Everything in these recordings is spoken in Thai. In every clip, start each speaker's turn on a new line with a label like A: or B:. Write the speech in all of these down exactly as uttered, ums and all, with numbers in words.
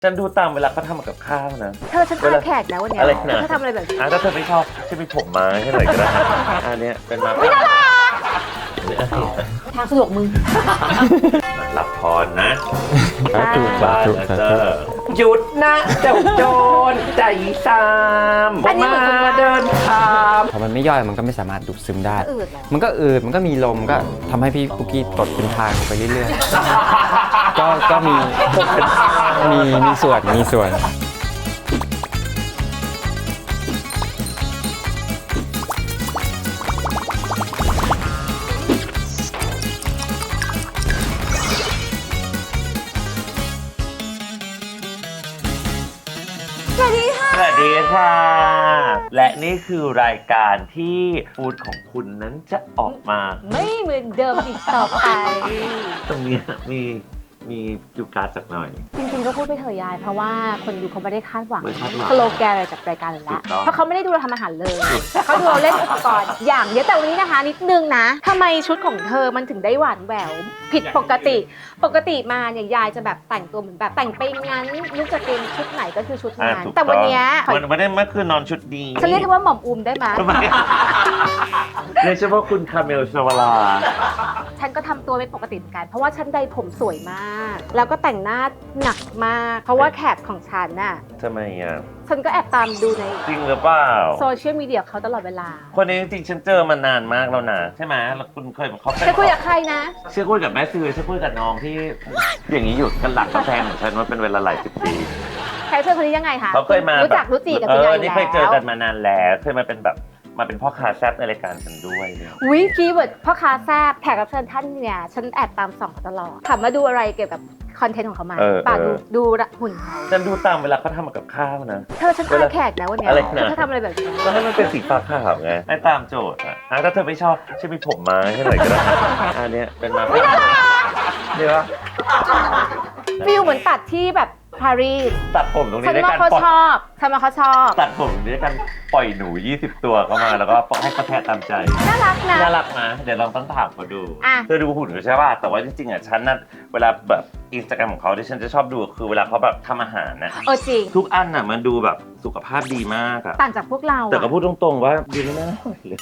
A: ฉันดูตามเวลาเขาทำกับข้าวนะ
B: เธอฉันพาแขกนะวันนี้
A: อะไรนะ
B: เธอทำอะไรแบบนี้
A: อ่ะถ้าเธอไม่ชอบฉันมีผมมาให้หน่อยก็ได้อันเนี้ยเป็นมาไม่ได้
B: ทางสะดวกมึง
A: หลับพรนะ
C: จุก
A: บ้าน
C: จุก
A: นะเจ้าหยุดนะเจ้าโจรใจสามมาเดินทาง
C: พอมันไม่ย่อยมันก็ไม่สามารถดูดซึมได้
B: อืดเหรอ
C: มันก็อืดมันก็มีลมก็ทำให้พี่ปุกกี้ตดเป็นทางไปเรื่อยๆ ก็ก็มีมีมีส่วนมีส่วน
B: สวัสดีค่ะ
A: สวัสดีค่ะ และนี่คือรายการที่ฟูดของคุณนั้นจะออกมา
B: ไม่เหมือนเดิมอีกต่อไป
A: ตรงนี้มีมีคิวการ์ดสักหน่อย
B: จริงๆก็พูดไปเถอะยายเพราะว่าคนดูเขาไม่ได้คาดหวัง
A: ไม่คาดหวัง
B: สโลแกนอะไรจากรายการเลยละ
A: ถูกต้อง
B: เพราะเขาไม่ได้ดูเราทำอาหารเลยเขาดูเราเล่นอุปกรณ์อย่างเดียวแต่วันนี้นะคะนิดนึงนะทำไมชุดของเธอมันถึงได้หวานแหววผิดปกติ ปกติมาเนี่ยยายจะแบบแต่งตัวเหมือนแบบแต่งไปงั้นนึกจะเป็นชุดไหนก็คือชุด
A: อ่ะ
B: นั้น
A: ถูก
B: แต่วันเนี้ย
A: ต้องมันไม่ได้เมื่อคืนนอนชุดดี
B: ฉันเรียกเธอว่าหม่อมอุมได้ไหม
A: ทำไมเรียกเฉพาะคุณคาเมลชวลา
B: ฉันก็ทำตัวไม่ปกติเหมือนกัน เพราะว่าฉันใดผมสวยมาก แล้วก็แต่งหน้าหนักมาก เพราะว่าแขกของฉันน่ะ
A: ทำไมอ่ะ
B: ฉันก็แอบตามดูใน
A: จริงหรือเปล่า
B: โซเชียลมีเดียเขาตลอดเวลา
A: คนนี้จริงๆฉันเจอมานานมากแล้วนะใช่ไหมแล้วคุณเคยเขาเป็น
B: จะคุยกับใครนะ
A: เชื่อคุยกับแม่ซื้อเชื่อคุยกับน้องที่ อย่างนี้อยู่กันหลังกาแฟของฉันมาเป็นเวลาหลายสิบปี
B: แขกเชิญคนนี้ยังไงคะ
A: เขาเคยมา
B: รู้จักรู้จีกับ
A: เอ
B: คุณยาย
A: อ
B: อยู่
A: นี่เคยเจอ
B: แล้ว
A: กันมานานแล้วเคยมาเป็นแบบมาเป็นพ่อค้าแซ่บในรายการฉันด้วยเนี่ย
B: วิคีย์เวิร์ดพ่อค้าแซ่บแขกรับเชิญท่านเนี่ยฉันแอบตามส่องเขาตลอดถามว่าดูอะไรเกี่ยวกับคอนเทนต์ของเขาไหมป่าดูดูหุ่นเขา
A: ฉันดูตามเวลาเขาทำกับข้าวนะ
B: เธอฉันพาแขกนะวันนี้
A: อะไรนะ
B: เธอทำอะไรแบบนี้
A: ก็ให้มันเป็นสีฟ้าขาวไงให้ตามโจทย์อ่ะอ่ะถ้าเธอไม่ชอบฉันมีผมมาให้หน่อยก็ได้อันเนี้ยเป็นมาเดี๋ยว
B: ฟิลเหมือนตัดที่แบบปารีส
A: ตัดผมตรง
B: ฉั
A: นี้
B: น
A: ด้วย
B: ว่า
A: กัน
B: เขา
A: ปล่อย
B: ชอบฉันว่าเขาชอบ
A: ตัดผมตรงนี้ด้วยกันปล่อยหนูยี่สิบตัวเข้ามาแล้วก็ให้เขาแทะตามใจ
B: น่ารักนะ
A: น่ารักนะเดี๋ยวลองต้องถามเขาดู
B: อ่ะ
A: เธอดูหุ่นเขาใช่ป่ะแต่ว่าจริงๆอ่ะฉันน่ะเวลาแบบอินสตาแกรมของเขาที่ฉันจะชอบดูคือเวลาเขาแบบทำอาหารนะ
B: เออจริง
A: ทุกอันน่ะมันดูแบบสุขภาพดีมากอะ
B: ต่างจากพวกเรา
A: แต่ก็
B: อะ
A: พูดตรงๆว่าดีไม่น่าอร่อยเลย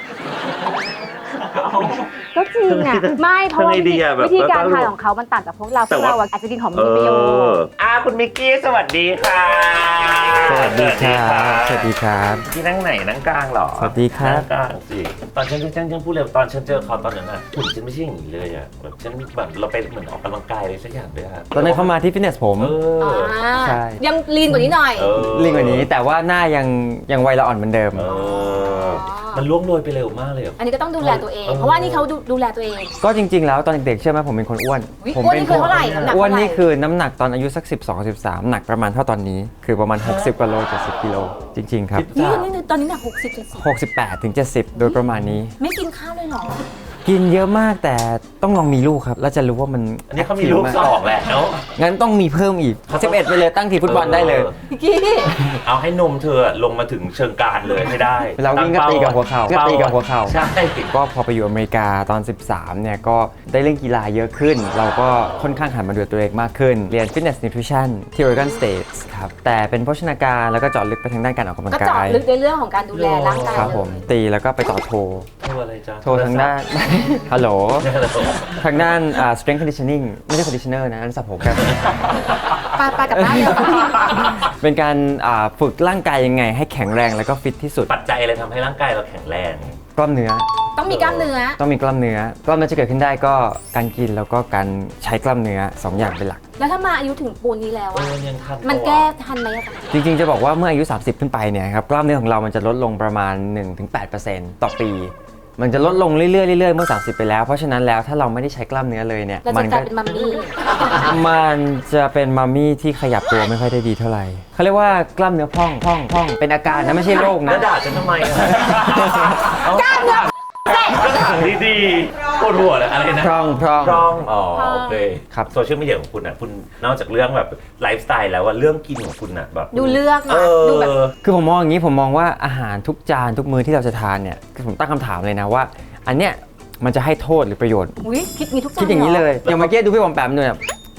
B: ก็จริงอ่ะ ไม่เพราะว่า
A: ทำไงดีอะแบบ
B: วิธีการ
A: แล้วก็
B: ทานของเขามันต่างจากพวกเราพ
A: แต่
B: วก
A: ว่า
B: เราอะอาจจะกินของ
A: เอ
B: มีประโยช
A: อ
B: น์
A: อ่ะคุณมิกกี้สวัสดีค่ะ
C: สวัสดีครับสวัสดีครับ
A: ที่นั่งไหนนั่งกลางเหรอ
C: สวัสดีครับ
A: นั่งกลางสิตอนฉันฉันฉันพูดเลยตอนฉันเจอเขาตอนนั้นอ่ะหุ่นฉันไม่ใช่อย่างนี้เลยอ่ะแบบฉันแบบเราไปเหมือนออกกำลังกายอะไรสักอย่างด้วยอะ
C: ตอนนั้นเขามาที่ฟิตเนสผม
A: เออ
C: ใช่
B: ยังลีนกว่านี้หน่อย
A: เออ
C: ลิงกว่านี้แต่ว่าหน้ายังยังวัยละอ่อนเหมือนเดิม
A: เออมันล่วงโรยไปเร็วมากเลยอะ
B: อันนี้ก็ต้องดูแลตัวเอง
A: เออ
B: เพราะว่านี่เขาดูดูแลตัวเอง
C: ก็จริง ๆ แล้วตอนเด็กๆเชื่อไหมผมเป็นคนอ้วน
B: อุ๊ย
C: ผม
B: อ้วน
C: เป็
B: นี่คือเท่าไหร่น้ำหนัก
C: อ้วน
B: เท่าไหร่
C: นี่คือน้ำหนักตอนอายุสักสิบสอง สิบสามหนักประมาณเท่าตอนนี้ คือประมาณหกสิบกว่าโลเจ็ดสิบกิโลจริงๆครับ
B: นี่นี่ตอนนี้หนักหกสิบเจ็ดสิบ
C: หกสิบแปดถึงเจ็ดสิบโดยประมาณนี้
B: ไม่กินข้าวเลยเหรอ
C: กินเยอะมากแต่ต้องลองมีลูกครับแล้วจะรู้ว่ามัน
A: อันนี้เขามีลูกสองแล้ว
C: งั้นต้องมีเพิ่มอีกสิบเอ็ดไปเลยตั้งทีมฟุตบอลได้เลย
B: พี่กี้
A: เอาให้นมเธอลงมาถึงเชิงกรานเลยให้ได้
C: เวลาวิ่งก็ตีกับหัวเข่าก็ตีกับหัวเข่า
A: ใช่
C: ก็พอไปอยู่อเมริกาตอน สิบสามเนี่ยก็ได้เล่นกีฬาเยอะขึ้น เราก็ค่อนข้างหันมาดูตัวเองมากขึ้น เรียน Fitness Nutrition ที่ Oregon State ครับ แต่เป็นโภชนาการแล้วก็เจาะลึกไปทางด้านการออกกำลัง
B: ก็
C: กา
B: เจาะ
C: ย
B: ลึกในเรื่องของการดูแลร่างกาย
C: ครับผม ตีแล้วก็ไปต่อโท
A: โทรอะไรจ๊ะ
C: โททางด้าน ฮัลโหล ทางด้านอ่า strength conditioning ไม่ใช่ conditioner นะอันนั้นสระผมครับ
B: ไปไปกับบ้านเลย
C: เป็นการอ่าฝึกร่างกายยังไงให้แข็งแรงแล้วก็ฟิตที่สุด
A: ปัจจัยอะไรทำให้ร่างกายเราแข็งแรง
C: กล้ามเนื้อ
B: ต้องมีกล้ามเนื้อ
C: ต้องมีกล้ามเนื้อกล้ามเนื้อจะเกิดขึ้นได้ก็การกินแล้วก็การใช้กล้ามเนื้อสองอย่างเป็นหลัก
B: แล้วถ้ามาอายุถึงปูนนี้แล้ว
A: เอ
B: อะ
A: อยังทัน
B: มันแก้ทันไหมอะคะ
C: จริงๆจะบอกว่าเมื่ออายุ สามสิบ ขึ้นไปเนี่ยครับกล้ามเนื้อของเรามันจะลดลงประมาณ หนึ่งถึงแปดเปอร์เซ็นต์ ต่อปี มันจะลดลงเรื่อยๆเรื่อยๆเมื่อ สามสิบ ไปแล้วเพราะฉะนั้นแล้วถ้าเราไม่ได้ใช้กล้ามเนื้อเลยเนี่ย
B: เรา
C: มั
B: จะก
C: ก็
B: ลายเป็นมัมมี่
C: มันจะเป็นมัมมี่ที่ขยับตัวไม่ค่อยได้ดีเท่าไหร่เขาเรียกว่ากล้ามเนื้อพองพองพองเป็นอาการนะไม่ใช่โรค
A: แล้
C: นะ
A: วด่าฉันทำไมอะ
B: กล้ามเนื้อ
A: ก็ถามดีๆปวดหัวเลยอะไรนะ
C: พร่องพร่อง
A: พร่องอ๋อโอเค
C: ครับ
A: โซเชียลมีเดียของคุณอ่ะคุณนอกจากเรื่องแบบไลฟ์สไตล์แล้วว่าเรื่องกินของคุณอ่ะแบบ
B: ดูเลือก
A: เอ
B: นะ
A: อ
B: ดูแบบ
C: คือผมมองอย่างนี้ผมมองว่าอาหารทุกจานทุกมื้อที่เราจะทานเนี่ยคือผมตั้งคำถามเลยนะว่า อันเนี้ยมันจะให้โทษหรือประโยชน์
B: อุ้ยคิดมีทุกอย่าง
C: คิดอย่างนี้เลยอย่างเมื่อกี้ดูพี่บอมแปมเนี่ย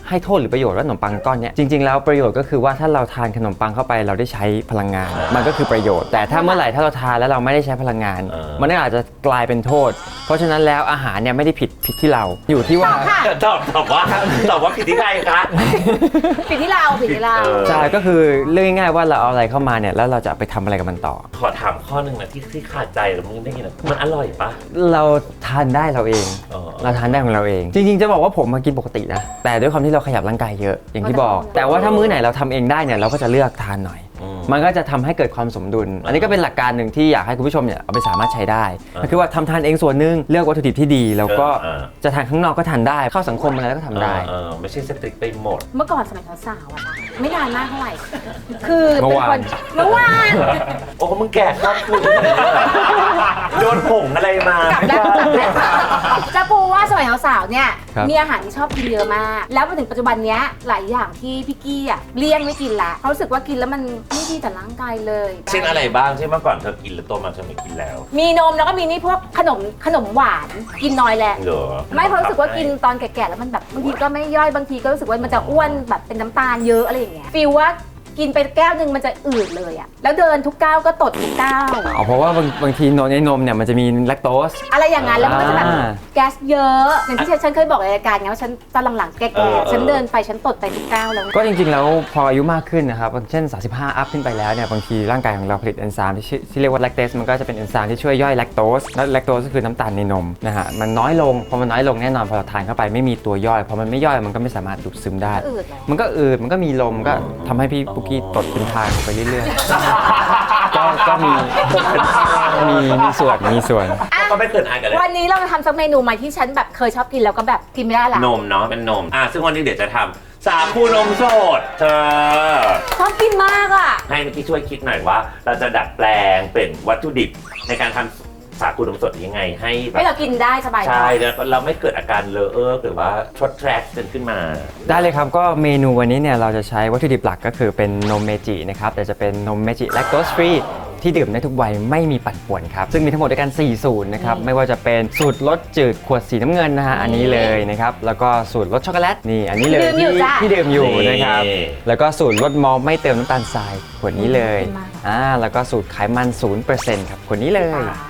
C: ให้โทษหรือประโยชน์ว่าขนมปังก้อนเนี้ยจริงๆแล้วประโยชน์ก็คือว่าถ้าเราทานขนมปังเข้าไปเราได้ใช้พลังงาน มันก็คือประโยชน์แต่ถ้าเมื่อไหร่ถ้าเราทานแล้วเราไม่ได้ใช้พลังงาน มันก็อาจจะกลายเป็นโทษ เพราะฉะนั้นแล้วอาหารเนี่ยไม่ได้ผิดผิดที่เราอยู่ที่ว่า
A: ตอบตอบว่าตอบว่าผิดที่ใครคะ
B: ผิดที่เราผิดที่เรา
C: ใช่ก็คือเรื่องง่ายๆว่าเราเอาอะไรเข้ามาเนี่ยแล้วเราจะไปทำอะไรกับมันต่อ
A: ขอถามข้อหนึ่งนะที่ที่ขาดใจหรือมึงได้ยินอะมันอร่อยปะ
C: เราทานได้เราเอง
A: อ๋อ
C: เราทานได้ของเราเอง จริงๆจะบอกว่าผมมากินปกตินะแต่ด้วยความที่เราขยับร่างกายเยอะอย่างที่บอก แต่ว่าถ้ามื้อไหนเราทำเองได้เนี่ยเราก็จะเลือกทานหน่อย มันก็จะทำให้เกิดความสมดุล อันนี้ก็เป็นหลักการหนึ่งที่อยากให้คุณผู้ชมเนี่ยเอาไปสามารถใช้ได้ก็คือว่าทำทานเองส่วนหนึ่งเลือกวัตถุดิบที่ดีแล้วก็จะทานข้างนอกก็ทานได้เข้าสังคมอะไรก็ทำได้
A: เออไม่ใช่สตริกไปหมด
B: เมื่อก่อนสมัยสาวๆอะนะไม่นานมากเท่าไหร่ คือ
C: เมื่
B: เป็
C: อน วาน
B: คนเมื่อวาน
A: โอ้มึงแก่ข้ามคุณโดนผงอะไรมาก
B: ลับแล้วกลับแล้วจะปูว่าสมัยสาวๆเนี่ย
C: ครับ
B: มีอาหารที่ชอบกินเยอะมาก แล้วมาถึงปัจจุบันเนี้ยหลายอย่างที่พี่กี้อ่ะเลี่ยงไม่กินละเพราะรู้สึกว่ากินแล้วมันไม่ดีต่อร่างกายเลย
A: เช่นอะไรบ้างที่เมื่อก่อนเธอกินแล้วโตมาเธอไม่กินแล้ว
B: มีนมแล้วก็มีนี่พวกขนมขนมหวานกินน้อยแหละ
A: เหรอ
B: ไม่เพราะรู้สึกว่ากินตอนแก่ๆแล้วมันแบบบางทีก็ไม่ย่อยบางทีก็รู้สึกว่ามันจะอ้วนแบบเป็นน้ำตาลเยอะอะไรอย่างเงี้ยฟีลว่ากินไปแก้วหนึ่งมันจะอืดเลยอะแล้วเดินทุกก้าวก็ตดทุกก้าว
C: อ๋อเพราะว่าบางบางทีนมในนมเนี่ยมันจะมีแลคโตส
B: อะไรอย่างนั้นแล้วมันก็จะแบบ
C: อ่า
B: แก๊สเยอะอย่างที่ฉันฉันเคยบอกในรายการไงว่าฉันตอนหลังๆแก่ๆฉันเดินไปฉันตดไปทุกก้าวแล้ว
C: ก็จริงๆแล้วพออายุมากขึ้นนะครับเช่น สามสิบห้า อัพขึ้นไปแล้วเนี่ยบางทีร่างกายของเราผลิตเอนไซม์ที่ชื่อที่เรียกว่าแลคเตสมันก็จะเป็นเอนไซม์ที่ช่วยย่อยแลคโตสและแลคโตสก็คือน้ำตาลในนมนะฮะมันน้อยลงพอมันน้อยลงแน่นอนพอเราทานเข้าไปไม่มีตัวย่อยพอมันไม่ย่อยมันก็ไม่สามารถดูดซึมได้
B: อืดเหรอ
C: มันก็อืดมันก็มีลมก็ทำให้พี่ปุ๊กกี้ตดเป็นทางไปเรื่อยๆ ก็ก็มีมีมีส่วนมีส่วน
B: อ่ะ
A: ก็ไม่เกินอายกันเลย
B: วันนี้เราจะทำสักเมนูใหม่ที่ฉันแบบเคยชอบกินแล้วก็แบบกินไม่ได้ละ
A: นมเนาะเป็นนมอ่ะซึ่งวันนี้เดี๋ยวจะทำสาคูนมสดเธอ
B: ชอบกินมากอ่ะ
A: ให้เมื่อกี้ช่วยคิดหน่อยว่า เราจะดัดแปลงเป็นวัตถุดิบในการทำสาคูนมสดยังไงให้แบ
B: ให้
A: บ
B: เรากินได้สบาย
A: ใช่แล้วเราไม่เกิดอาการเลอะเออหรือว่าทรดแทรกจนขึ้นมา
C: ได้เลยครับก็เมนูวันนี้เนี่ยเราจะใช้วัตถุดิบหลักก็คือเป็นนมเมจินะครับแต่จะเป็นนมเมจิแลคโตสฟรีที่ดื่มได้ทุกวัยไม่มีปั่นป่วนครับซึ่งมีทั้งหมดด้วยกันสี่สูตรนะครับไม่ว่าจะเป็นสูตรรสจืดขวดสีน้ำเงินนะฮะอันนี้เลยนะครับแล้วก็สูตรรสช็อกโกแลตนี่อันนี้เลยที่ที่ดื่มอยู่นะครับ
A: นี่
C: แล้วก็สูตรรสมอลต์ไม่เติมน้ำตาลทรายขวดนี้เลยอ่าแล้วก็สูตรไขมัน ศูนย์เปอร์เซ็นต์ ครับขวดนี้เลย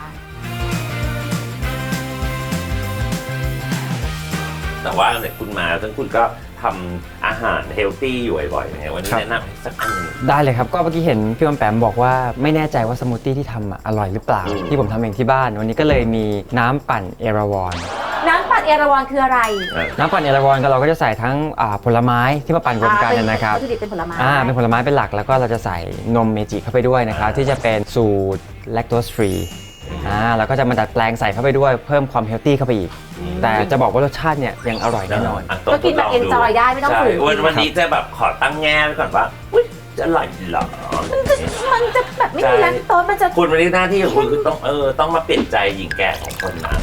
A: แต่ว่าเนี่ยคุณมาซึ่งคุณก็ทำอาหารเฮลตี้อยู่บ่อยๆอย่างเงี้ยวันนี้
C: ครับ
A: แนะนำให้สักอันหนึ่ง
C: ได้เลยครับก็เมื่อกี้เห็นพี่วันแปมบอกว่าไม่แน่ใจว่าสมูทตี้ที่ทำอ่ะอร่อยหรือเปล่า
A: อืม
C: ที่ผมทำเองที่บ้าน วันนี้ก็เลยมีน้ำปั่นเอราวอน
B: น้ำปั่นเอราวัณคืออะไร
C: น้ำปั่นเอราวอนก็เราก็จะใส่ทั้งอ่าผลไม้ที่มาปั่นรวมกันเนี่ยนะครับ
B: วัตถุดิบเป็นผลไม้
C: อ่าเป็นผลไม้เป็นหลักแล้วก็เราจะใส่นมเมจิเข้าไปด้วยนะครับที่จะเป็นสูตรแลคโตสฟรีอ่าแล้วก็จะมาดัดแปลงใส่เข้าไปด้วยเพิ่มความเฮลตี้เข้าไปอีก แต่จะบอกว่ารสชาติเนี่ยยังอร่อยแน่นอน
A: อ่ะ
B: ก็กินแบบ
A: ทดลง
B: enjoy ได้ไม่ต้อง
A: ใช่
B: ฝืน
A: วันวันนี้จะแบบขอตั้งแง่ไว้ก่อนว่าอุ๊ยจะอร่อยเหรอ
B: มันจะแบบไม่มีแลคโตสมันจะ
A: คุณวันนี้หน้าที่ของคุณคือต้องเออต้องมาเปลี่ยนใจหญิงแก่ของคนนะ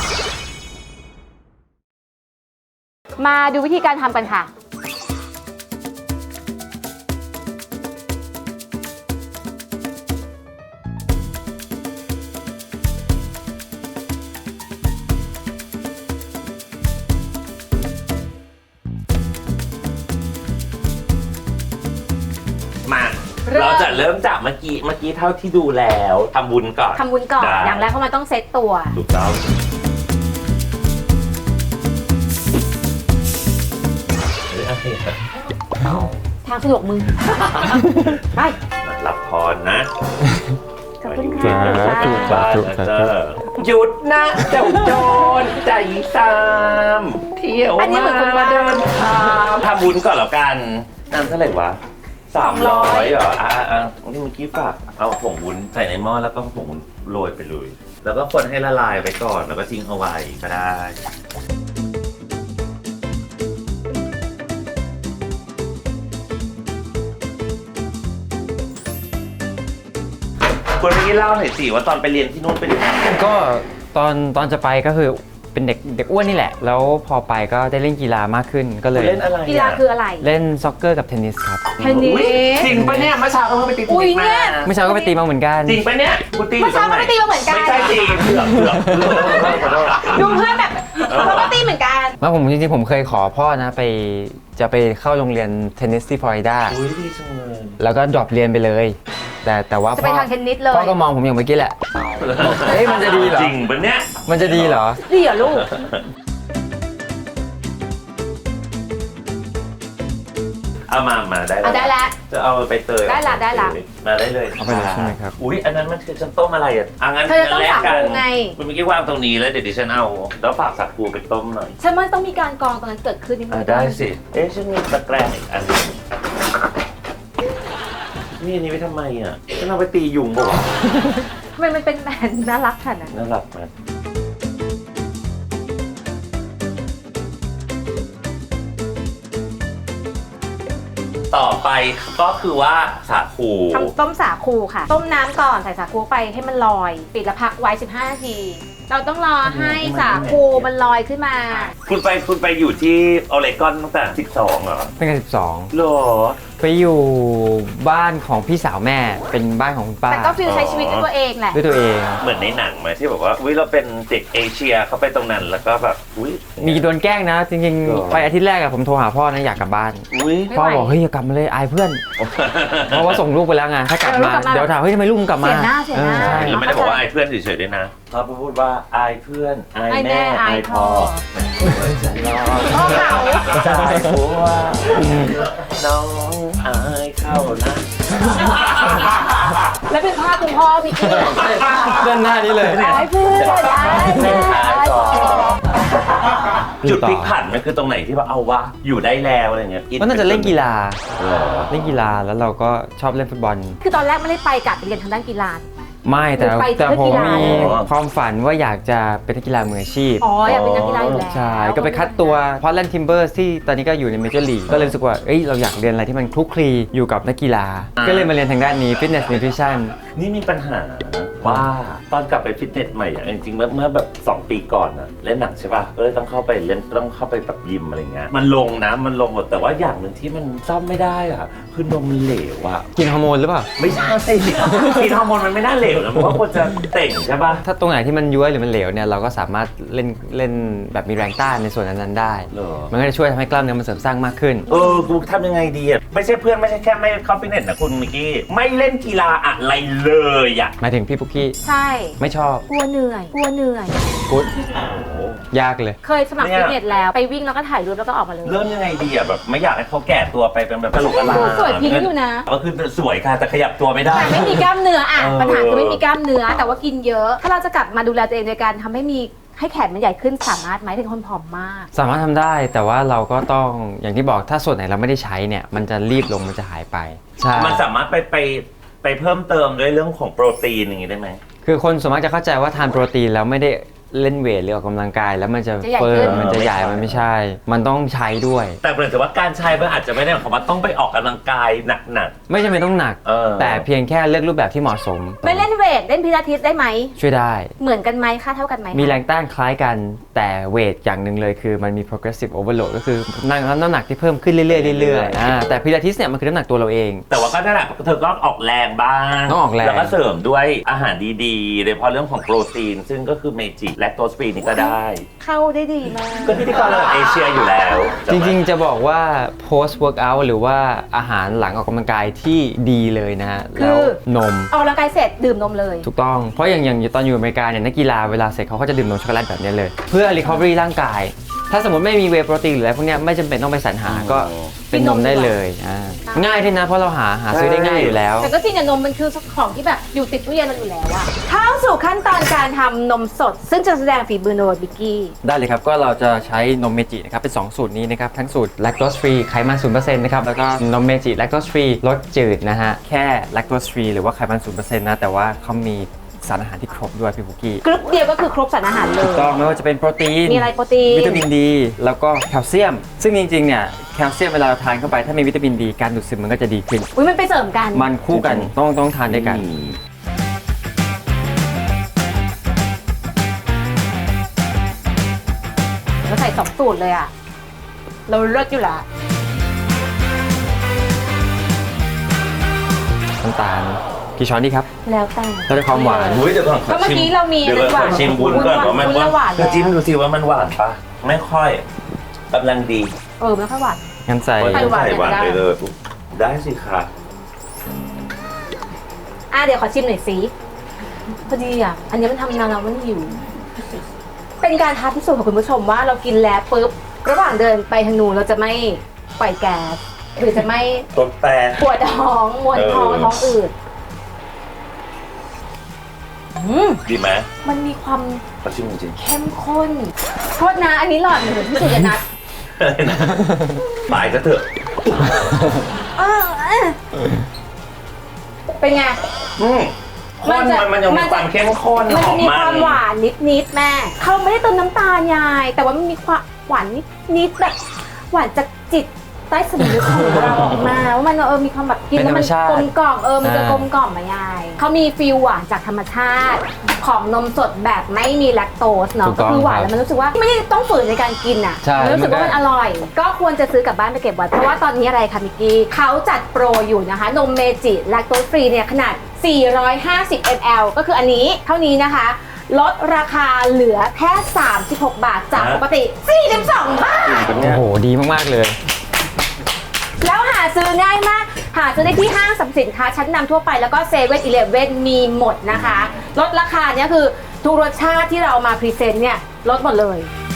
B: มาดูวิธีการทำกันค่ะ
A: มา
B: เริ่ม
A: เราจะเริ่มจากเมื่อกี้เมื่อกี้เท่าที่ดูแล้วทำบุญก่อน
B: ทำวุ้นก่อน
A: ได้
B: อย่างแรกเพราะมันต้องเซตตัว
A: ถูกต้องเฮ้ยอะไรอ่ะ
B: ทางสะดวกมึง ไป
A: รับพรนะ
B: ขอบคุณ
C: สา
B: ค่ะ
C: ธุ
A: บ้านนะเจ้าหยุดนะเจ้าโจรใจซามเที่ยว
B: อันนี้เหมือนคุณ
A: มา
B: ว่า
A: เดินทางทำบุญก่อนแล้วกันน้ำเท่าไหร่วะสามร้อยเหรออ่ะอ่ะอ่ะนี่เมื่อกี้ฝากเอาผงวุ้นใส่ในหม้อแล้วก็ผงวุ้นโรยไปเลย แล้วก็คนให้ละลายไปก่อนแล้วก็ทิ้งเอาไว้ก็ได้คนเมื่อกี้เล่าหน่อยสิว่าตอนไปเรียนที่นู่นเป็นยังไง
C: ก็ตอนตอนจะไปก็คือเป็นเด็กเด็กอ้วนนี่แหละ แล้วพอไปก็ได้เล่นกีฬามากขึ้นก็เลย
A: เล่นอะไร
B: กีฬาคืออะไร
C: เล่นซ็อกเกอร์กับเทนนิสครับ
B: เทนนิ
A: อุ๊ย
B: ส
A: จริงปะเนี่ยเมื่อเช้าก็เพิ่งไปตีเทน
B: อุ๊ย
A: นิส
B: เนี่
A: มาย
C: เมื่อเช้าก็ไปตีมาเหมือนกัน
A: จริงปะเนี่ยกูตี
B: เมื่อเช้าก็ไปตีมาเหมือนกัน
A: ไม่ใช่ตีเผือกเผือกเผือกขอโทษ
B: ดูเพื่อนแบบเขาก็ตีเหมือนกัน
C: แล้วผมจริงๆผมเคยขอพ่อนะไปจะไปเข้าโรงเรียนเทนนิสที่ฟลอริดา
A: อุ้ยดีจังเลย
C: แล้วก็ดรอปเรียนไปเลย แต่แต่ว่า
B: จะไปทางเทนนิสเลย
C: พ่อก็มองผมอย่างเมื่อกี้แหละเฮ้ยมันจะดีเหรอ
A: จริงปะเนี่ย
C: มันจะดีเหรอ
B: ดีเหรอลูก
A: เอามามาได้
B: เอาได้แล้ว
A: จะเอาไปเตย
B: ได้ละได้ละ
A: มาได้เลย
C: เอาไปเลยใช่ไหมครับ
A: อุ้ยอันนั้นมันคือจะต้มอะไรอ่ะอ่ะงั้น
B: เธอจะต้ม
A: แลก
B: สา
A: กั
B: คูไง
A: คุณเมื่อกี้วางตรงนี้แล้วเดี๋ยวดิฉันเอาแล้วฝากสาคูไปต้มหน่อย
B: ฉันว่าต้องมีการกรองตรงนั้นเกิดขึ้นนิดนึ
A: อ่ะ
B: ง
A: ได้สิ เอ๊ะฉันมีตะแกรงอีกอันหนึงนี่อันนี้ไปทำไมอ่ะฉันเอาไปตียุงบ่วะ
B: ทำไมมันเป็นแบรนด์น่ารักขนาดนั้น
A: น่ารักไหมต่อไปก็คือว่าสาคู
B: ทำต้มสาคูค่ะ ต้มน้ำก่อนใส่สาคูไปให้มันลอย ปิดแล้วพักไว้สิบห้านาที เราต้องรอให้สาคูมันลอยขึ้นมา
A: คุณไปคุณไปอยู่ที่ออเรกอนตั้งแต่สิบสองเหรอ
C: เป็นกันสิบสอง
A: หรอ
C: ไปอยู่บ้านของพี่สาวแม่เป็นบ้านของคุณป้า
B: แต่ก็ฟิลใช้ชีวิตด้วยตัวเองแหละ
C: ด้วยตัวเอง
A: เหมือนในหนังไหมที่บอกว่าวิเราเป็นเด็กเอเชียเขาไปตรงนั้นแล้วก็แบบอุ้ย
C: มีโดนแกล้งนะ จริง
A: หรอ
C: ๆ ไปอาทิตย์แรกอะผมโทรหาพ่อนะอยากกลับบ้าน
A: อุ้ย
B: ไม่
C: พ่อ
B: ไหว
C: บอกเฮ้ยอย่ากลับมาเลยอายเพื่อน เพราะว่าส่งลูกไปแล้วไงถ้ากลับมา
B: เดี๋ยวลูกกลับมา
C: เดี๋ยวถามเฮ้ยทำไมลูกมึงกลับมา
B: เสียหน้าเสียหน้า
C: ออใช่
A: แล้วไม่ได้บอกว่าอายเพื่อนเฉยๆด้วยนะเขาพูดว่าอายเพื่อนอาย
B: อายแม่
A: แม่
B: อา
A: อาย ย
B: พ่
A: พ่
B: อ
A: อ
B: พ่อเขา
A: จ่ายผัวน้องอายเข้านะ
B: แล้วเป็นภาพคุณพ่อพี่กี้
C: ด้านหน้านี้เลย
B: ไอ้เพื่อนไอ้แม่ไอ้พ่อ
A: จุดพลิกผันมันคือตรงไหนที่ว่าเอาวะอยู่ได้แล้วอะไรเงี้ย
C: ก็น่าจะเล่นกีฬา
A: เหรอ
C: เล่นกีฬาแล้วเราก็ชอบเล่นฟุตบอล
B: คือตอนแรกไม่ได้ไปกะไปเรียนทางด้านกีฬา
C: ไม่แต่
B: หรือไป
C: แต่
B: เพื่อ
C: ผม
B: กีฬา
C: มีความฝันว่าอยากจะเป็นนักกีฬามืออาชีพ
B: อ๋ออยากเป็นนักกีฬาอยู่แล้ว
C: ใช่ ก็ไปคัดตัวพอ Portland Timbers ที่ตอนนี้ก็อยู่ในเมเจอร์ลีกก็เลยรู้สึกว่าเอ้ยเราอยากเรียนอะไรที่มันคลุกคลีอยู่กับนักกีฬา ก็เลยมาเรียนทางด้านนี้ Fitness Nutrition
A: นี่มีปัญหาว่าตอนกลับไปฟิตเนสใหม่อะจริงๆเมื่อเมื่อแบบสองปีก่อนอะเล่นหนักใช่ป่ะก็เลยต้องเข้าไปเล่นต้องเข้าไปแบบยิมอะไรเงี้ยมันลงนะมันลงหมดแต่ว่าอย่างหนึ่งที่มันซ่อมไม่ได้อะคือนมมันเหลวอะ
C: กินฮอร์โมนหรือเปล่า
A: ไม่ใช่กินฮอร์โมนมันไม่น่าเหลวนะเพราะว่าควรจะเต่งใช่ป่ะ
C: ถ้าตรงไหนที่มันย้วยหรือมันเหลวเนี่ยเราก็สามารถเล่นเล่นแบบมีแรงต้านในส่วนนั้นๆได้
A: เหรอ
C: มันก็จะช่วยทำให้กล้ามเนื้อมันเสริมสร้างมากขึ้น
A: เออกูทำยังไงดีอะไม่ใช่เพื่อนไม่ใช่แค่ไม่เข้าฟิตเนสนะคุณมิกกี้ไม่เล่นกีฬาอะไรเลยอะ
C: หมายถึงพี่ปุ๊กกี้
B: ใช่
C: ไม่ชอบ
B: กลัวเหนื่อยกลัวเหนื่อย
C: พุทธ
A: โอ้โห
C: ยากเลย
B: เคยสมัครฟิตเนสแล้วไปวิ่งแล้วก็ถ่ายรูปแล้วก็ออกมาเลย
A: เริ่มยังไงดีอะแบบไม่อยากให้เขาแก่ตัวไปเป็นแบบกระโหลกกระลา
B: สวยพิ้งอยู่นะ
A: ก็คือสวยค่ะแต่ขยับตัวไม่ได้
B: แต่ไม่มีกล้ามเนื้ออ่ะ
A: เออ
B: ปัญหาคือไม่มีกล้ามเนื้อ แต่ว่ากินเยอะ ถ้าเราจะกลับมาดูแลตัวเองโดยการทำให้มีให้แขนมันใหญ่ขึ้นสามารถไหมถึงคนผอมมาก
C: สามารถทำได้แต่ว่าเราก็ต้องอย่างที่บอกถ้าส่วนไหนเราไม่ได้ใช้เนี่ยมันจะรีบลงมันจะหายไปใช่
A: มันสามารถไปไปไปเพิ่มเติมด้วยเรื่องของโปรตีนอย่างนี้ได้ไหม
C: คือคนส่วนมากจะเข้าใจว่าทานโปรตีนแล้วไม่ได้เล่นเวทหรือออกกำลังกาย แล้วมันจะ
B: จะใหญ่
C: เฟิ
B: ขึ้
C: ร์ม
B: น
C: มันจะใหญ่มันไม่ใช่ มันต้องใช้ด้วย
A: แต่เหมือนกับว่าการใช้มันอาจจะไม่ได้หมายความว่าต้องไปออกกำลังกายหนัก
C: ไม่จำเป็นต้องหนัก
A: เออ
C: แต่เพียงแค่เลือกรูปแบบที่เหมาะสม
B: ไม่เล่นเวทเล่นพิลาทิสได้ไหม
C: ช่วยได้
B: เหมือนกันไหมค่าเท่ากันไหม
C: มีแรงต้านคล้ายกันแต่เวทอย่างหนึ่งเลยคือมันมี progressive overload ก็คือน้ำน้ำหนักที่เพิ่มขึ้นเรื่อยๆเรื่อยๆอ่าแต่พิลาทิสเนี่ยมันคือน้ำหนักตัวเราเอง
A: ๆแต่ว่าก็นั่นแหละเธอก็ออกแรงบ้าง
C: ต้องออกแรง
A: แล้วก็เสริมด้วยอาหารดีๆโดยเฉพาะเรื่องของโปรตีน ซึ่งก็คือเมจิแลคโตสฟรีนี่ก็ได้
B: เข้าได้ดีมาก
A: ก็พิธีกรระดับเอเชียอยู่แล้ว
C: จริงๆ จะบอกว่า post workout หรือว่าอาหารหลังออกกำลังกายที่ดีเลยนะฮะ
B: คือ
C: แล้วนม
B: ออกกำลังกายเสร็จดื่มนมเลย
C: ถูกต้อง เพราะอย่างอย่างตอนอยู่อเมริกาเนี่ยนักกีฬาเวลาเสร็จเขาก็จะดื่มนมช็อกโกแลตแบบนี้เลย เพื่อ recovery ร่างกาย ถ้าสมมติไม่มีเวย์โปรตีนหรืออะไรพวกเนี้ยไม่จำเป็นต้องไปสรรหาก็เป็นนมได้เลยอ่าง่ายด้วยนะเพราะเราหาหาซื้อได้ง่ายอยู่แล้ว
B: แต่ก็จริงอะนมมันคือของที่แบบอยู่ติดตู้เย็นเราอยู่แล้วอะเข้าสู่ขั้นตอนการทำนมสด ซึ่งจะแสดงฝีมือโนบิกกี้
C: ได้เลยครับ ก็เราจะใช้นมเมจินะครับเป็นสองสูตรนี้นะครับทั้งสูตร lactose free ไขมัน ศูนย์เปอร์เซ็นต์ นะครับแล้วก็นมเมจิ lactose free รสจืดนะฮะแค่ lactose free หรือว่าไขมัน ศูนย์เปอร์เซ็นต์ นะแต่ว่าเขามีสารอาหารที่ครบด้วยพี่บุกี้
B: กรุ๊ปเดียวก็คือครบสารอาหารเล
C: ถู
B: ย
C: กต้องไม่ว่าจะเป็นโปรตีน
B: มีอะไรโปรตีน
C: วิตามินดีแล้วก็แคลเซียม ซึ่งจริงๆเนี่ยแคลเซียมเวลาเราทานเข้าไปถ้ามีวิตามินดีการดูดซึมมันก็จะดีขึ้น
B: อุ้ยมันไปเสริมกัน
C: มันคู่กันต้องต้องทานด้วยกัน
B: เราใส่สองสูตรเลยอะเราเลิศอยู่ละ
C: น้ำตาลกี่ช้อนดีครับ
B: แล้วแต่
C: ถ้าได้ความหวาน
A: อุ้ยเดี๋ยวก่อนข
B: ก็เมื่อกี้เรามี
A: เดี๋ยวก่อนขอชิมวุ้นก่อนว่ามัน
B: วุ้นละหวาน
A: เธอจิ้มดูสิว่ามันหวานปะไม่ค่อยกำลังดี
B: เออไม่ค่อยหวาน
C: งั้นใส่
A: ใส่หวานใส่หวานไปเลยได้สิคะ
B: อ่ะเดี๋ยวขอชิมหน่อยสิพอดีอ่ะอันนี้มันทำนานแล้วมันหิวเป็นการท้าพิสูจน์ของคุณผู้ชมว่าเรากินแล้วปุ๊บระหว่างเดินไปทางนู้นเราจะไม่ปล่อยแก๊สหรือจะไม่
A: ตดแต่
B: ปวดท้องมวนท้อง
A: เออ
B: ท้องอืดอืม
A: ดีไหม
B: มันมีความ
A: ขอชิมจริง
B: เข้มข้นโทษนะอันนี้หลอดเหมือนที่สุดนัด
A: ๆอะไรนะตายก็เถอะ
B: เออเออเป็นไง
A: อืมข้น
B: มันจะ
A: มันมันยัง
B: มั
A: มี
B: นจะ
A: ความเข้มข้น
B: มัน
A: หอ
B: จะ
A: ม
B: มี
A: มั
B: ความ
A: น
B: หวานนิดๆแม่เขาไม่ได้เติมน้ำตาลยาย แต่ว่ามันมีความหวานนิดๆแบบหวานจากจิตใต้สำนึกของเราออกมาว่ามันเออมีความแบบกินแล้วมันกลมกล่อมเออมันจะกลมกล่อมมายายเขามีฟีลหวานจากธรรมชาติของนมสดแบบไม่มีแลคโตสเนาะก็คือหวานแล้วมันรู้สึกว่าไม่ได้ต้องฝืนในการกินอ่ะ
C: ใช่
B: มันรู้สึกว่ามันอร่อย ก็ควรจะซื้อกลับบ้านไปเก็บไว้เพราะว่าตอนนี้อะไรคะมิกกี้เขาจัดโปรอยู่นะคะนมเมจิแลคโตสฟรีเนี่ยขนาดสี่ร้อยห้าสิบมิลลิลิตร ก็คืออันนี้เท่านี้นะคะลดราคาเหลือแค่สามสิบหกบาทจากปกติสี่สิบสองบาท
C: โอ้โหดีมากๆเลย
B: แล้วหาซื้อง่ายมาก หาซื้อได้ที่ห้างสรรพสินค้าชั้นนำทั่วไปแล้วก็เซเว่นอีเลฟเว่นมีหมดนะคะ ลดราคาเนี่ยคือทุกรสชาติที่เราเอามาพรีเซนต์เนี่ยลดหมดเลย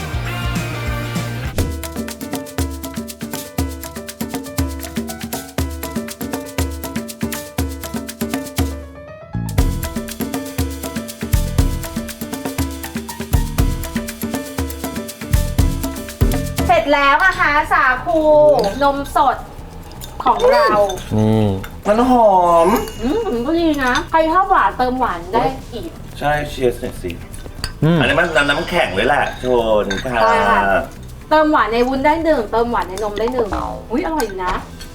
B: เสร็จแล้วนะคะสาคูนมสดของเรา
C: นี่
A: มันหอม
B: อืมก็ดีนะ ใครชอบหวานเติมหวานได้อีก
A: ใช่เชียร์หน่อยสิ
C: อืม
A: อันนี้มันน้ำน้ำแข็งเลยแหละโชนค่ะ
B: ใช่ค่ะ เติมหวานในวุ้นได้หนึ่งเติมหวานในนมได้หนึ่งอุ้ยอร่อยอยู่นะ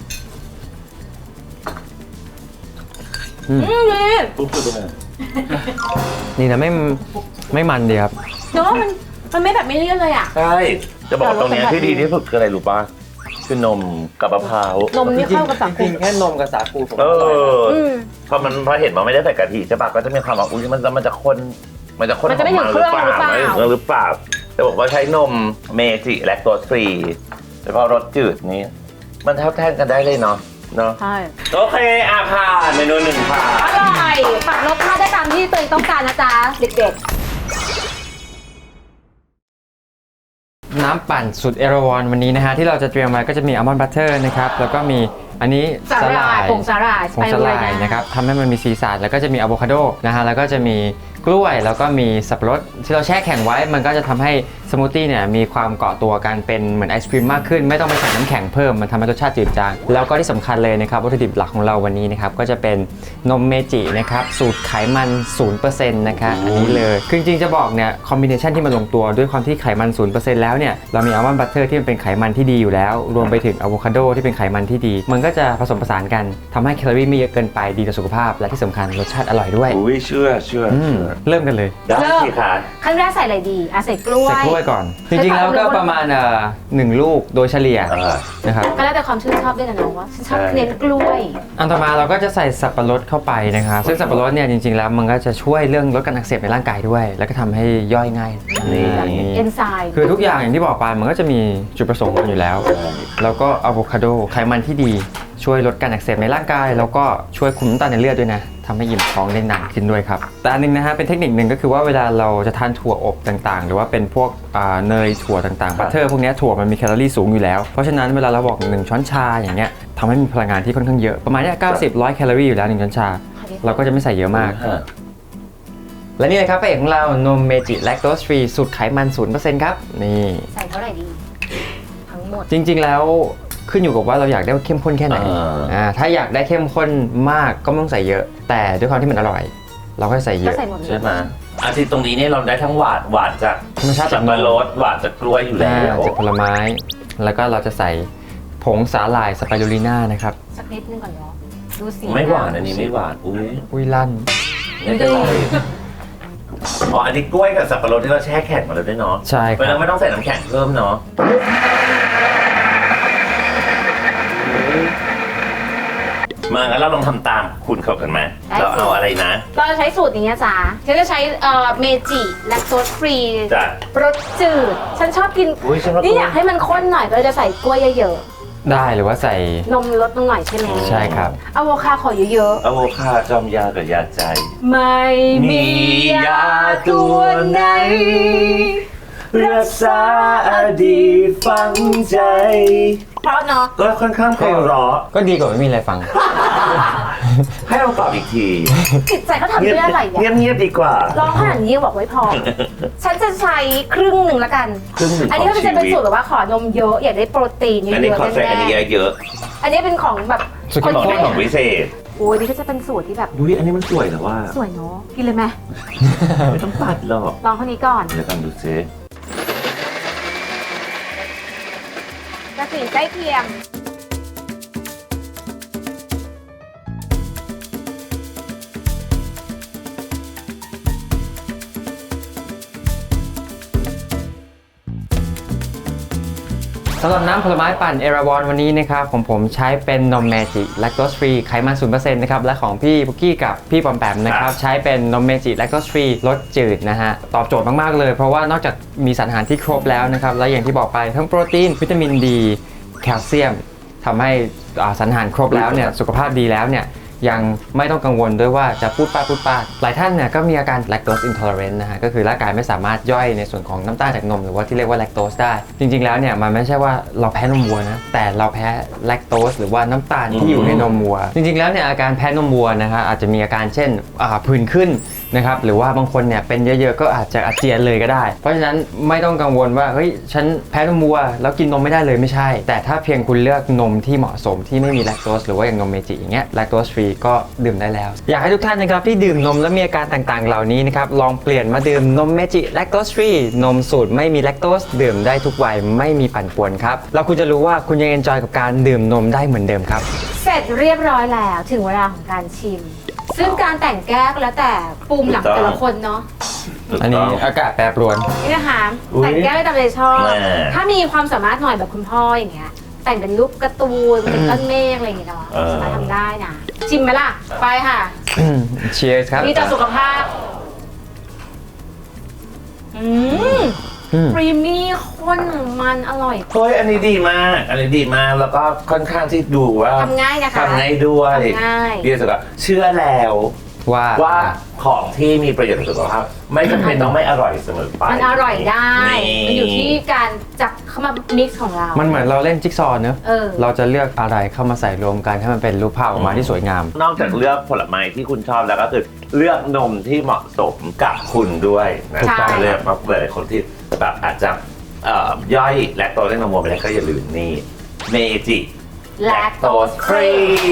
C: อืม
B: อืมดี
A: ปุ๊บปุ๊บเลย
C: นี่นะไม่ไม่มันดีครับ
B: เนาะมันมันไม่แบบไม่เลี่ยนเลยอ่ะ
A: ใช่จะบอกว่าตรงเนี้ยที่ดีที่สุดคืออะไรรู้ป่ะคือนมกับมะพร้าวน
B: มนี่เข้ากับสังค
C: จริ
B: ม
C: งๆแค่นมกับสาคูผม
A: เอ
C: ก็อร่อยแล้ว
A: อ
B: อืม
A: พอมันพอเห็นมันไม่ได้ใส่กะทิใช่ปะก็จะมีความว่าอุ้ยมันจะมันจะข้นมันจะข้น
B: มันจะไม่ถึงเครื่องหรือเปล่า
A: ไม่ถึงเครื่องหรือเปล่าจะบอกว่าใช้นมเมจิแลคโตสฟรีแล้วก็รสจืดนี้ มันเท่าแทนกันได้เลยเนาะเนาะ
B: ใช่
A: โอเคอาผ่านเมนูหนึ่งผ่าน
B: อร่อยปรับรสชาติได้ตามที่ตัวเองต้องการนะจ๊ะเด็ก
C: น้ำปั่นสุดเอราวันวันนี้นะฮะที่เราจะเตรียมไว้ก็จะมีอัลมอนด์บัตเตอร์นะครับแล้วก็มีอันนี้
B: ๆสาหร่ายผงสาหร่าย
C: ผงสลายนะครับทำให้มันมีสีสันแล้วก็จะมีอะโวคาโดนะฮะแล้วก็จะมีกล้วยแล้วก็มีสับปะรดที่เราแช่แข็งไว้มันก็จะทำให้สมูทตี้เนี่ยมีความเกาะตัวกันเป็นเหมือนไอศครีมมากขึ้นไม่ต้องไปใส่น้ำแข็งเพิ่มมันทำให้รสชาติจืดจางแล้วก็ที่สำคัญเลยนะครับวัตถุดิบหลักของเราวันนี้นะครับก็จะเป็นนมเมจินะครับสูตรไขมัน ศูนย์เปอร์เซ็นต์ นะคะอันนี้เลยคือจริงๆจะบอกเนี่ยคอมบิเนชันที่มันลงตัวด้วยความที่ไขมัน ศูนย์เปอร์เซ็นต์ แล้วเนี่ยเรามีอัลมอนด์บัตเตอร์ที่มันเป็นไขมันที่ดีอยู่แล้วรวมไปถึงอะโวคาโดที่เป็นไขมันที่ดีมันก็จะผสมผสานกันทำให้แคลอรี่ไม่เยอะเกินไปดีต่อสุขภาพและที่สำคัญรสชาติอร่อยด้วย
A: อุ้ยเชื่อเชื่อ
C: อืม
A: เชื่อ
C: เริ่มกันเลย
A: ได้สิคะ
B: ขั้นแรกใส่อะไรดีอ่ะใส่กล้วย
C: ใส่กล้วยก่อน จริงๆแล้วก็ประมาณเอ่อหนึ่งลูกโดยเฉลี่ย
A: อ่า
C: นะครับ
B: ก็แล้วแต่ความชื่นชอบด้วยนะน้องว่าฉันชอบ
A: ใช่
B: เน้นกล้วย
C: อันต่อมาเราก็จะใส่สับปะรดเข้าไปนะครับซึ่งสับปะรดเนี่ยจริงๆแล้วมันก็จะช่วยเรื่องลดการอักเสบในร่างกายด้วย แล้วก็ทำให้ย่อยง่ายนี่
B: เอนไซม์
C: คือทุกอย่างอย่างที่บอกไปมันก็จะมีจุดประสงค์ของมันอยู่แล้ว แล้วก็อะโวคาโดไขมันที่ดีช่วยลดการอักเสบในร่างกาย แล้วก็ช่วยคุมน้ำตาลในเลือดด้วยนะทำให้อิ่มท้องได้นานขึ้นด้วยครับแต่อันนึงนะฮะเป็นเทคนิคหนึ่งก็คือว่าเวลาเราจะทานถั่วอบต่างๆ หรือว่าเป็นพวกอ่าเนยถั่วต่างๆบัตเตอร์พวกเนี้ยถั่วมันมีแคลอรี่สูงอยู่แล้วเพราะฉะนั้นเวลาเราบอกหนึ่งช้อนชาอย่างเงี้ยทำให้มีพลังงานที่ค่อนข้างเยอะประมาณเนี้ยเก้าสิบ ร้อยแคลอรี่อยู่แล้วหนึ่งช้อนชา เราก็จะไม่ใส่เยอะมาก และนี่เลยครับพระเอกของเรานมเมจิแลคโตสฟรีสูตรไขมัน ศูนย์เปอร์เซ็นต์ ครับนี่
B: ใส่เท่าไหร่ดี ทั้งหมด
C: จริงๆแล้วขึ้นอยู่กับว่าเราอยากได้เข้มข้นแค่ไหน
A: อ่า
C: อ่าถ้าอยากได้เข้มข้นมากก็ไม่ต้องใส่เยอะ แต่ด้วยความที่มันอร่อย เราก็ใส่เย
B: ก็
C: อะ
B: ใส่หมดเลย
A: ใช่ไหมอาทิตย์ตรงนี้เนี่ยเราได้ทั้งหวานหวานจาก
C: ธรรมชาติ
A: สั
C: จา
A: บ
C: กน
A: ปะ
C: ม
A: รดหวานจากกล้วยอยู่แล้
C: อ่าว จากผลไม้ แล้วก็เราจะใส่ผงสาหร่ายสไปรูลิน่านะครับ
B: สักนิดนึงก่อนเนาะดูสี
A: ไม่หวานอันนี้ไม่หวานอุ้ย
C: อุ้ยลั่น
A: ไม่เป็นไรอ๋ออันนี้กล้วยกับสับปะรดที่เราแช่แข็งมาแล้วด้วยเนาะ
C: ใช่ค
A: เพราะฉะ
C: รั
A: นั้
C: บ
A: นไม่ต้องใส่น้ำแข็งเพิ่มเนาะมางั้นเราลองทำตามคุณเขากันไหมเราเอาอะไรนะ
B: เราจะใช้สูตรอย่างเงี้ยจ้าฉันจะใช้เอ่อเมจิแลคโตสฟรี
A: จ้ะ
B: รสจืด ฉันชอบกิน
A: อุ้ยฉันว่า
B: นี่อยากให้มันข้นหน่อยก็เลยจะใส่กล้วยเยอะๆ
C: ได้หรือว่าใส่
B: นมลดลงหน่อยใช่ไหม
C: ใช่ครับ
B: อะโวคาโดขอเยอะ
A: อะโวคาจอมยากับยาใจ
B: ๆไม่มียาตัวไหน
A: รักษาอดีตฝังใจ
B: เพราะเนาะ
A: ก็ค่อนข้างไพเราะ
C: ก็ดีกว่าไม่มีอะไรฟัง
A: ให้เราตอบอีกที
B: จิตใจเขาทำด้วยอะไร
A: เงีย
B: อ่ะ
A: บเงียบๆดีกว่า
B: ร้องขนาดนี้ยังบอกไว้พอ ฉันจะใช้ครึ่งหนึ่งละกัน
A: ครึ่งหนึ่ง
B: อันนี้
A: ข
B: ก็
A: อง
B: จะเป็น
A: ชีวิต
B: สูตรแบบว่าขอนมเยอะอยากได้โปรตีนเยอะ
A: อันนี้ขอ
B: ๆ
A: ใส่
B: แน่
A: อันนี้เยอะ
B: ๆอันนี้เป็นของแบบ
C: สุด
B: คน
C: ยอด
B: ที่
A: ๆ
B: ไม่
A: ของพิเศษ
B: โอ้ยนี่ก็จะเป็นสูตรที่แบบ
A: อุ้ยอันนี้มันสวยแต่ว่า
B: สวยเนาะกินเลยไหม
A: ไม่ต้องตัดหรอก
B: ลองคนนี้ก่อน
A: เดี๋ยวกันดูซิ
B: กระสีใกล้เคียง
C: สำหรับน้ำผลไม้ปั่นเอราวอนวันนี้นะครับของผมใช้เป็นนมเมจิแลคโตสฟรีไขมัน ศูนย์เปอร์เซ็นต์ นะครับและของพี่พุกกี้กับพี่ปอมแปมนะครับใช้เป็นนมเมจิแลคโตสฟรีรสจืดนะฮะตอบโจทย์มากๆเลยเพราะว่านอกจากมีสารอาหารที่ครบแล้วนะครับและอย่างที่บอกไปทั้งโปรตีนวิตามินดีแคลเซียมทำให้อ่าสารอาหารครบแล้วเนี่ยสุขภาพดีแล้วเนี่ยยังไม่ต้องกังวลด้วยว่าจะพูดป้าพูดป้าหลายท่านเนี่ยก็มีอาการ lactose intolerant นะฮะก็คือร่างกายไม่สามารถย่อยในส่วนของน้ำตาลจากนมหรือว่าที่เรียกว่า lactose ได้ จริงๆแล้วเนี่ยมันไม่ใช่ว่าเราแพ้นมวัวนะแต่เราแพ้ lactose หรือว่าน้ำตาลที่อยู่ในนมวัว จริงๆแล้วเนี่ยอาการแพ้นมวัวนะฮะอาจจะมีอาการเช่นอ่าผื่นขึ้นนะครับหรือว่าบางคนเนี่ยเป็นเยอะๆก็อาจจะอาเจียนเลยก็ได้เพราะฉะนั้นไม่ต้องกังวลว่าเฮ้ยฉันแพ้นมวัวแล้วกินนมไม่ได้เลยไม่ใช่แต่ถ้าเพียงคุณเลือกนมที่เหมาะสมที่ไม่มี lactose หรือว่าอย่างนมเมจิอย่างเงี้ย lactose free ก็ดื่มได้แล้วอยากให้ทุกท่านนะครับที่ดื่มนมและมีอาการต่างๆเหล่านี้นะครับลองเปลี่ยนมาดื่มนมเมจิ lactose free นมสูตรไม่มี lactose ดื่มได้ทุกวัยไม่มีปั่นป่วนครับแล้วคุณจะรู้ว่าคุณยัง enjoy กับการดื่มนมได้เหมือนเดิมครับ
B: เสร็จเรียบร้อยแล้วถึงเวลาของการชิม ซึ่งการแต่งแก้วก็แล้วแต่ปุ่มหลังแต่ละคนเนาะ
C: อันนี้อากาศแปรปรวน
B: นี่นะคะ
A: อุ๊ย
B: แต่งแก้วได้ตามใจชอบ
A: แม่
B: ถ้ามีความสามารถหน่อยแบบคุณพ่ออย่างเงี้ยแต่งเป็นรูปการ์ตูนเป็นต้นเมฆอะไรอย่างเงี้ยเนาะ
A: เออ
B: สามารถทำได้นะชิมไหมล่ะไปค่ะ
C: Cheers ครับ
B: ดีต่อสุขภาพอืม
C: อืม
B: ครีมมี่ข้นมันอร่อย
A: เฮ้ยอันนี้ดีมาก อันนี้ดีมากแล้วก็ค่อนข้างที่ดูว่า
B: ทำง่ายนะคะ
A: ทำง่ายด้วย
B: ทำง่าย
A: ดีสุดก็เชื่อแล้ว
C: ว่า
A: ว่าของที่มีประโยชน์ต่อสุขภาพไม่จำเป็นต้องไม่อร่อยเสมอไป
B: มันอร่อยได้
A: นี่
B: มันอยู่ที่การจับเข้ามามิกซ์ของเรา
C: มันเหมือนเราเล่นจิ๊กซอว์เนอะ
B: เออ
C: เราจะเลือกอะไรเข้ามาใส่รวมกันให้มันเป็นรูปภาพออกมาที่สวยงาม
A: นอกจากเลือกผลไม้ที่คุณชอบแล้วก็คือเลือกนมที่เหมาะสมกับคุณด้วยนะ
B: ถูกต้อง
A: เลือกมาหลายคนที่แบบอาจจะเอ่อย่อยแลคโตสในนมวัวไปแล้วก็อย่าลืมนี่เมจิ
B: แลคโตสฟรี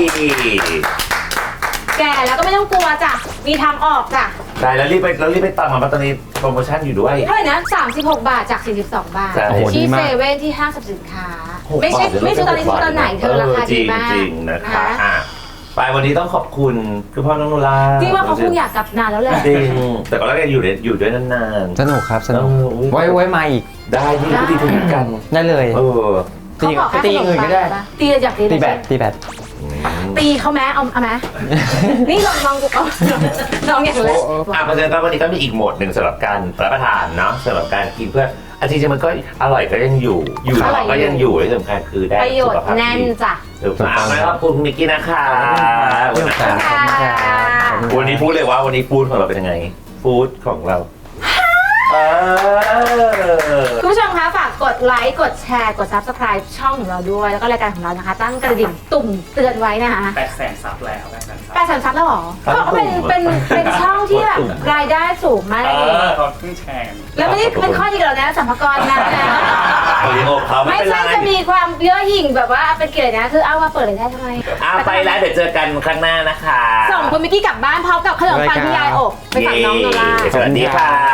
B: แก่แล้วก็ไม่ต้องกลัวจ้ะ มีทางออกจ้ะ
A: ได้แล้วรีบไปแล้วรีบไปตามมาเพราะตอนนี้โปรโมชั่นอยู่ด้วย
B: เท่าไหร่นะสามสิบหกบาทจากสี่สิบสองบาท
A: ใช่
C: โอ้โหดี
B: ที่
C: มา
B: เซ
C: ก
B: เว่นที่ห้างสรรพสินค้า
A: หก
B: ไม่ใช่
A: บาทเดี๋ยว
B: ไม่ใช่ตอนนี้ซื้อตอนไหนเธอราคา
A: จ
B: ดี
A: ริง
B: มาก
A: จริงๆนะคะ
B: นะ
A: อ่ะไปวันนี้ต้องขอบคุณคือพ่อน้องโนรา
B: จริงว่าเขาคงอยากกลับนานแล้วแหละ
A: จริงแต่ก็แล้วกันอยู่ด้วยอยู่ด้วยนาน
C: สนุกครับสนุก
A: เอออุ๊ย
C: ไว้ไว้มาอีก
A: ๆได้ที่ก็ดีทุกกัน
C: ได้เลย
A: เออ
C: ตี
B: เขาบอก
C: ตีอย่างอื่นก็ได้
B: ตีอยากตี
C: ตีแบตตีแบต
B: ตีเขาแม้เอาเอาแม้นี่ลองลองดูเอาลองอย่างเลย
A: อ่ะเพราะฉะนั้นก็วันนี้ก็มีอีกโหมดหนึ่งสำหรับการรับประทานเนาะสำหรับการกินเพื่ออาจริงๆมันก็อร่อยก็ยังอยู่ อยู่ท้องก็ยังอยู่และที่สำคัญคือได้
B: ประโยชน์แน่นจ้ะ
A: ถูกต้องขอบคุณคุณมิกกี้นะคะ
C: ขอบคุณครับ
B: ขอบคุณค่ะ
A: วันนี้พูดเลยว่าวันนี้ฟู้ดของเราเป็นยังไงฟู้ดของเราเออ
B: คุณผู้ชมคะฝากกดไลค์กดแชร์กด ซับสไครบ์ ช่องของเราด้วย แล้วก็รายการของเรานะคะ ตั้งกระดิ่งตุ่มเตือนไว้นะคะ
D: แปดแสนซับแล้วแปดแสนซับ
B: แปดแสนซับแล้วเหรอเขาบอกว่าเป็นเป็นเป็นช่องที่แบบรายได้สูงมาก
D: เอ
B: เลย
D: อเขาเพิ่งแชร์กัน
B: แล้วไม่ได้เป็นข้อดีกับเรานะสัมภาระนะ
A: วันนี้โอบเขาไม่
B: ไม่
A: เป็นไร
B: ใช่จะมีความเย่อหยิ่งแบบว่าเป็นเกลียดนะ คือเอามาเปิดเลยได้ทำไม
A: อ่ะไปแล้วเดี๋ยวเจอกันครั้งหน้านะคะ
B: ส่งคุณมิกกี้กลับบ้านพร้อมกับขนมปังที่ยายอบไปฝากน้องโนรา
A: สวัสดีค่ะ